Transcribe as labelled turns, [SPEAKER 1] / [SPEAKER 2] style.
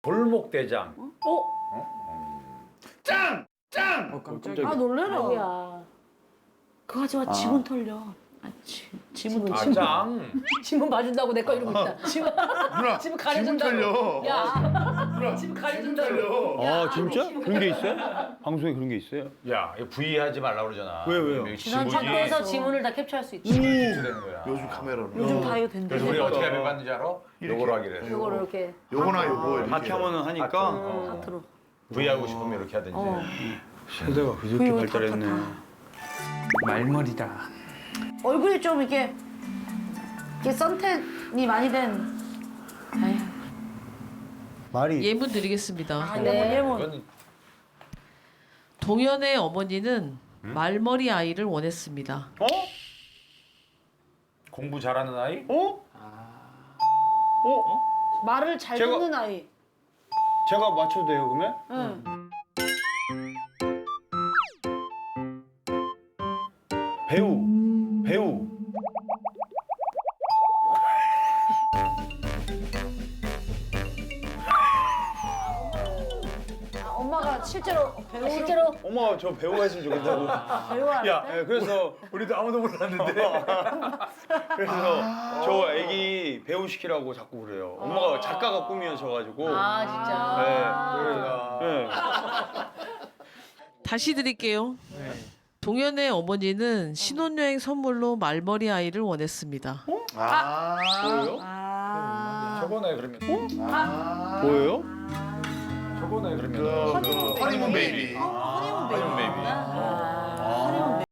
[SPEAKER 1] 골목대장.
[SPEAKER 2] 짱!
[SPEAKER 3] 깜짝이야.
[SPEAKER 4] 아 놀래라.
[SPEAKER 5] 야 그거 하지 마. 지문 털려. 지문
[SPEAKER 1] 아, 짱.
[SPEAKER 5] 지문 봐준다고 내 거 이러고 있다. 지문
[SPEAKER 2] 누나,
[SPEAKER 5] 지문
[SPEAKER 2] 지문
[SPEAKER 5] 가려준다고.
[SPEAKER 2] 털려.
[SPEAKER 5] 야
[SPEAKER 2] 누나,
[SPEAKER 5] 지문
[SPEAKER 2] 지문
[SPEAKER 5] 가려준다고.
[SPEAKER 2] 털려.
[SPEAKER 3] 아 진짜? 그런 게 있어요? 방송에 그런 게 있어요?
[SPEAKER 1] 야, 이거 부의하지 말라고 그러잖아.
[SPEAKER 3] 왜요?
[SPEAKER 1] 이거
[SPEAKER 5] 지난
[SPEAKER 1] 지문이
[SPEAKER 5] 창고에서 지문을 다 캡처할 수 있지.
[SPEAKER 1] 캡처되는 거야.
[SPEAKER 2] 요즘 카메라로.
[SPEAKER 5] 요즘 다 이거 된대.
[SPEAKER 1] 그래서 우리 어떻게 하면 받는지 알아?
[SPEAKER 2] 이렇게.
[SPEAKER 1] 요거로 하기로 해.
[SPEAKER 5] 이거를 이렇게
[SPEAKER 2] 요거나 요거 이렇게.
[SPEAKER 3] 하트 하면은 하니까
[SPEAKER 5] 하트로.
[SPEAKER 1] 부의하고 싶으면 이렇게 하든지.
[SPEAKER 3] 세대가 그렇게
[SPEAKER 5] 부위를
[SPEAKER 3] 발달했네.
[SPEAKER 6] 말머리다.
[SPEAKER 5] 얼굴이 좀 이렇게 선텐이 많이 된. 에휴.
[SPEAKER 3] 말이
[SPEAKER 7] 예문 드리겠습니다.
[SPEAKER 5] 네.
[SPEAKER 1] 이건
[SPEAKER 7] 동현의 어머니는 말머리 아이를 원했습니다.
[SPEAKER 3] 어?
[SPEAKER 1] 공부 잘하는 아이?
[SPEAKER 3] 어?
[SPEAKER 5] 말을 잘
[SPEAKER 3] 제가-
[SPEAKER 5] 듣는 아이.
[SPEAKER 3] 제가 맞춰도 돼요 그러면?
[SPEAKER 5] 응.
[SPEAKER 3] 배우.
[SPEAKER 5] 엄마가 실제로 실제로
[SPEAKER 3] 엄마 저 배우가 했으면 좋겠다고.
[SPEAKER 5] 배우야.
[SPEAKER 3] 야, 그래서
[SPEAKER 1] 우리도 아무도 몰랐는데.
[SPEAKER 3] 그래서 저 애기 배우 시키라고 자꾸 그래요. 엄마가 작가가 꿈이셔가지고.
[SPEAKER 5] 아 진짜.
[SPEAKER 3] 네. 그래서
[SPEAKER 7] 다시 드릴게요. 동현의 어머니는 신혼여행 선물로 말머리 아이를 원했습니다.
[SPEAKER 3] 뭐예요?
[SPEAKER 5] 아.
[SPEAKER 1] 저거네 그러면.
[SPEAKER 3] 뭐예요?
[SPEAKER 1] 저거네 그러면.
[SPEAKER 2] 허니문 베이비.
[SPEAKER 5] 허니문 베이비.
[SPEAKER 1] 베이비.